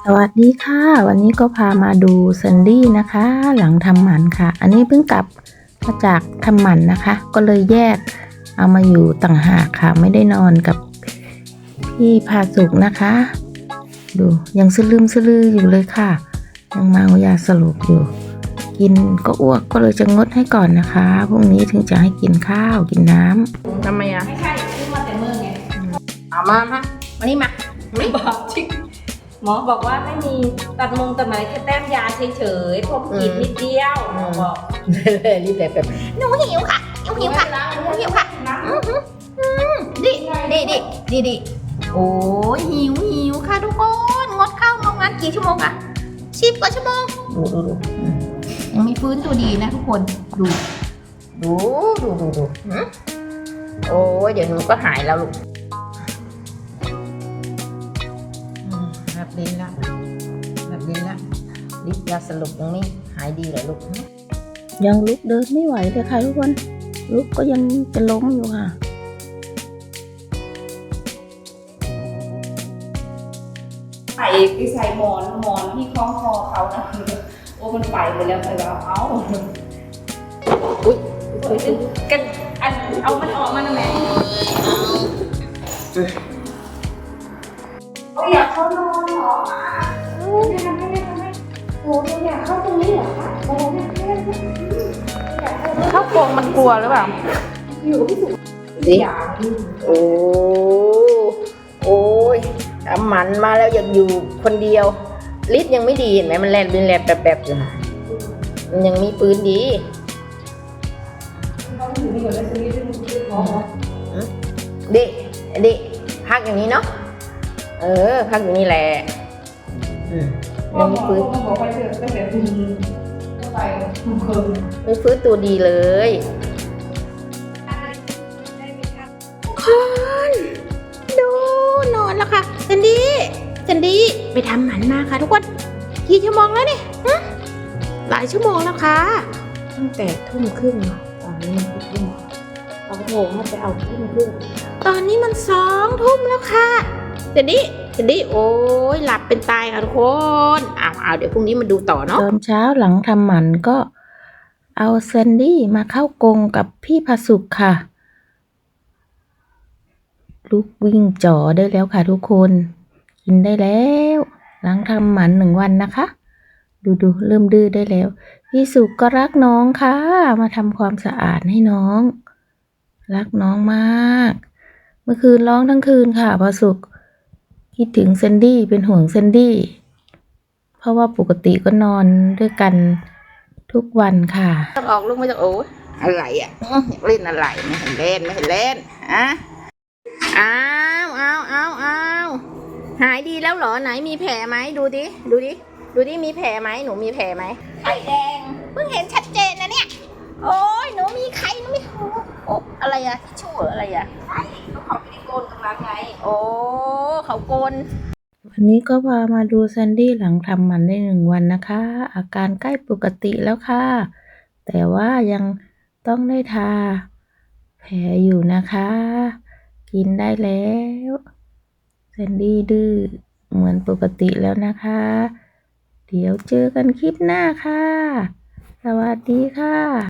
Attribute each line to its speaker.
Speaker 1: สวัสดีค่ะวันนี้ก็พามาดูแซนดี้นะคะหลังทำหมันค่ะอันนี้เพิ่งกลับมาจากทำหมันนะคะก็เลยแยกเอามาอยู่ต่างหากค่ะไม่ได้นอนกับพี่พาสุกนะคะดูยังสลืมสลืออยู่เลยค่ะยังเมายาสลบอยู่กินก็อ้วกก็เลยจะงดให้ก่อนนะคะพรุ่งนี้ถึงจะให้กินข้าวกินน้ำทำไมอ่ะ
Speaker 2: ไม่ใช่ซื้อมาแต่เมื่อไง
Speaker 1: เอามาวันนี้มา
Speaker 2: ไม่บอกจริงหมอบอกว่าไม่มีตัดมงตัดไหมแค่แต้มยาเฉยๆพวกกินนิดเดียวหมอบอก
Speaker 1: รีบแบบหนูหิวค่ะหนูหิวค่ะหนูหิวค่ะดิโอ้ยหิวค่ะทุกคนงดข้าวงดงานกี่ชั่วโมงอะ10 กว่าชั่วโมงดูยังมีฟื้นตัวดีนะทุกคนดูโอ้ยเดี๋ยวหนูก็หายแล้วลูกแบบลิ้นละลิปยาสลบยังไม่หายดีเลยลูกยังลุกเดินไม่ไหวเลยค่ะทุกคนลุกก็ยังจะล้มอยู่ค่ะ
Speaker 2: ไปใส่หมอนที่คล้องคอเขานะโอ้มันไปแล้วไปแล้วอุ้ยกันอันเอามันออกมาหน่อยแม่โอ้ยอยากเข้านอนเหรอไม่ทำโอ้ยอยากเข้าตรงนี้เหรอคะโอ้ย
Speaker 1: เข้าโกงมันกลัวหรือเปล่า
Speaker 2: อยู่ที่สุด
Speaker 1: สิโอ้ยทำหมันมาแล้วอยากอยู่คนเดียวลิศยังไม่ดีเห็นไหมมันแลบแบบอยู่มันยังมีปืนดีดิพักอย่างนี้เนาะพักอย่างนี้แหละยังมีปืนไม่ฟื้นตัวดีเลยคนดูนอนแล้วค่ะแซนดี้ไปทำหมันมาค่ะทุกคนกี่ชั่วโมงแล้วเนี่ยหลายชั่วโมงแล้วค่ะตั้งแต่20:30ตอนนี้เขาโทรให้ไปเอา20:30ตอนนี้มัน20:00แล้วค่ะแซนดี้โอ้ยหลับเป็นตายค่ะทุกคนเอาเดี๋ยวพรุ่งนี้มาดูต่อเนาะตอนเช้าหลังทำหมันก็เอาแซนดี้มาเข้ากรงกับพี่พาสุกค่ะลุกวิ่งจ่อได้แล้วค่ะทุกคนกินได้แล้วหลังทำหมัน1 วันนะคะดูเริ่มดื้อได้แล้วพี่สุกก็รักน้องค่ะมาทำความสะอาดให้น้องรักน้องมากเมื่อคืนร้องทั้งคืนค่ะพาสุกคิดถึงแซนดี้เป็นห่วงแซนดี้เพราะว่าปกติก็นอนด้วยกันทุกวันค่ะต้องออกลูกไม่ต้องโอ้อะไรอ่ะเล่นอะไรไม่เห็นเล่นอ้าวหายดีแล้วเหรอไหนมีแผลไหมดูดิมีแผลไหมหนูมีแผลไหมไข่แดงเพิ่งเห็นชัดเจนนะเนี่ยโอ้ยหนูมีไข่หนูมีโอ้อะไรอะทิชชู่อะไรอะเขาไม่ได้โกนกำลังไงโอ้เขาโกนวันนี้ก็พามาดูแซนดี้หลังทำหมันได้1 วันนะคะอาการใกล้ปกติแล้วค่ะแต่ว่ายังต้องได้ทาแผลอยู่นะคะกินได้แล้วแซนดี้ดื้อเหมือนปกติแล้วนะคะเดี๋ยวเจอกันคลิปหน้าค่ะสวัสดีค่ะ